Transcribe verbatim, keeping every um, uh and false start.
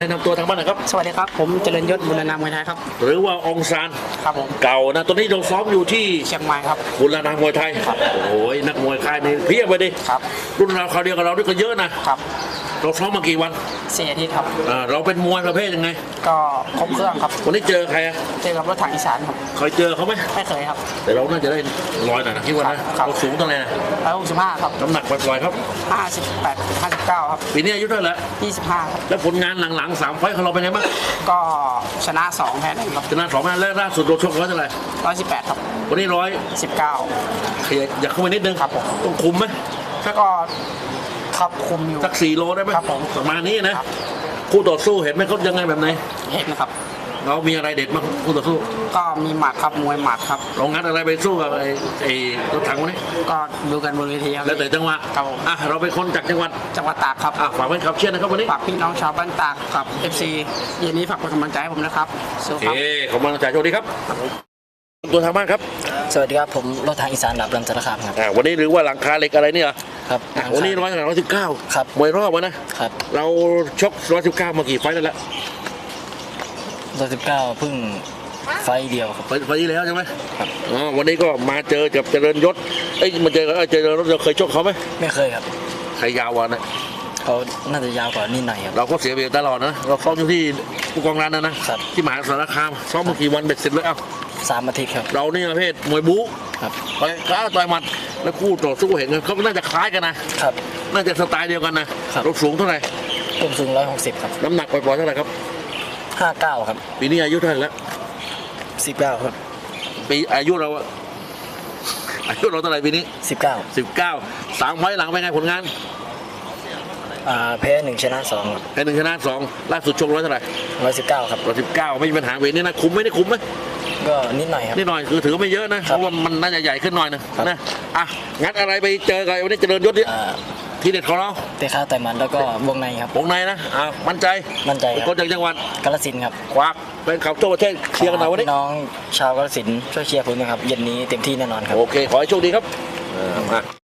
แนะนำตัวทางบ้านหนะครับสวัสดีครับผมเจริญยศบุรณามวยไทยครับหรือว่าองซานครับผมเก่านะตอนนี้เราซ้อมอยู่ที่เชียงใหม่ครับบุรณามวยไทยโอ้ยนักมวยค่ายนี้เพียบไปดิครับรุ่นเราคราวเดียวกับเราด้วยก็เยอะนะครับเราซ้อมมากี่วันสี่อาทิตย์ครับเราเป็นมวยประเภทยังไงก็ครบเครื่องครับวันนี้เจอใครอะเจอกับรถถังอีสานครับเคยเจอเขาไหมไม่เคยครับแต่เราน่าจะได้ร้อยหน่อยนะคิดว่านะเราสูงเท่าไหร่ร้อยหกสิบห้าครับน้ำหนักปล่อยๆครับห้าสิบแปดห้าสิบเก้าครับปีนี้อายุเท่าไหร่ยี่สิบห้าครับแล้วผลงานหลังๆสามไฟต์ของเราเป็นไงบ้างก็ชนะสองแพ้หนึ่งครับชนะสองนัดแล้วล่าสุดเราชกร้อยเท่าไหร่ร้อยสิบแปดครับวันนี้ร้อยสิบเก้าขยับอยากเข้าไปนิดนึงครับผมต้องคุมไหมก็ครับคุมอยู่สักสี่โลได้ไหมครับผมประมาณนี้นะคู่ต่อสู้เห็นไหมเขายังไงแบบไหนเห็นนะครับเรามีอะไรเด็ดบ้างคู่ต่อสู้ก็มีหมัดครับมวยหมัดครับเรางัดอะไรไปสู้กับไอ้ไอ้รถถังวันนี้ก็ดูกันบนเวทีครับแล้วแต่จังหวะครับอ่ะเราเป็นคนจากจังหวัดจังหวัดตากครับอ่ะฝากไว้ขับเชียร์นะครับวันนี้ฝากพี่น้องชาวบ้านตากกับ เอฟ ซี เย็นนี้ฝากเป็นกำลังใจให้ผมนะครับโอเคขอบคุณอาจารย์โชคดีครับตัวทางบ้านครับสวัสดีครับผมรถทางอีสานดับลำสารคามครับอ่าวันนี้หรือว่าหลังคาเหล็กอะไรเนี่ยครับวันนี้ร้อยร้อยสิบเก้าครับมวยรอบวะนะครับเราชกร้อยสิบเก้ามากี่ไฟต์แล้วละร้อยสิบเก้าเพิ่งไฟเดียวครับไฟไฟที่แล้วใช่ไหมครับอ๋อวันนี้ก็มาเจอกับเจริญยศเอ้ยมาเจอเจริญยศเราเคยชกเขาไหมไม่เคยครับใครยาววะนะเขาน่าจะยาวกว่านี่หน่อยครับเราก็เสียเบียตลอดนะเราซ้อมอยู่ที่ผู้กองร้านนะนะที่มหาสารคามซ้อมมากี่วันเบ็ดเสร็จแล้วเอ้าสามอาทิตย์ครับเรานี่ประเภทมวยบู๊ครับไปกล้าต่อยหมัดแล้วคู่ต่อสู้เห็นเขาก็น่าจะคล้ายกันนะครับน่าจะสไตล์เดียวกันนะเราสูงเท่าไหร่ผมสูงร้อยหกสิบครับน้ำหนักปล่อยๆเท่าไหร่ครับห้าเก้าครับปีนี้อายุเท่าไหร่แล้วสิบเก้าครับปีอายุเราอายุเราเท่าไหร่ปีนี้สิบเก้าสิบเก้าสามไฟล์หลังเป็นไงผลงานอ่าแพ้หนึ่งชนะสองแพ้หนึ่งชนะสองล่าสุดชกร้อยเท่าไหร่ร้อยสิบเก้าครับร้อยสิบเก้าไม่มีปัญหาเวทนี่นะคุ้มไม่ได้คุ้มไหมก็นิดหน่อยครับนิดหน่อยคือถือไม่เยอะนะเพราะว่ามันน่าจะใหญ่ขึ้นหน่อยนึงนะอ่ะงัดอะไรไปเจอกันวันนี้เจริญยศดิทีเด็ดของเราเตะขาต่อยมันแล้วก็วงในครับวงในนะอ่ามั่นใจมั่นใจคนจากจังหวัดกาฬสินธุ์ครับควักเป็นข่าวทั่วประเทศเชียร์กันหน่อยวันนี้น้องชาวกาฬสินธุ์ช่วยเชียร์ผมนะครับเย็นนี้เต็มที่แน่นอนครับโอเคขอให้โชคดีครับมา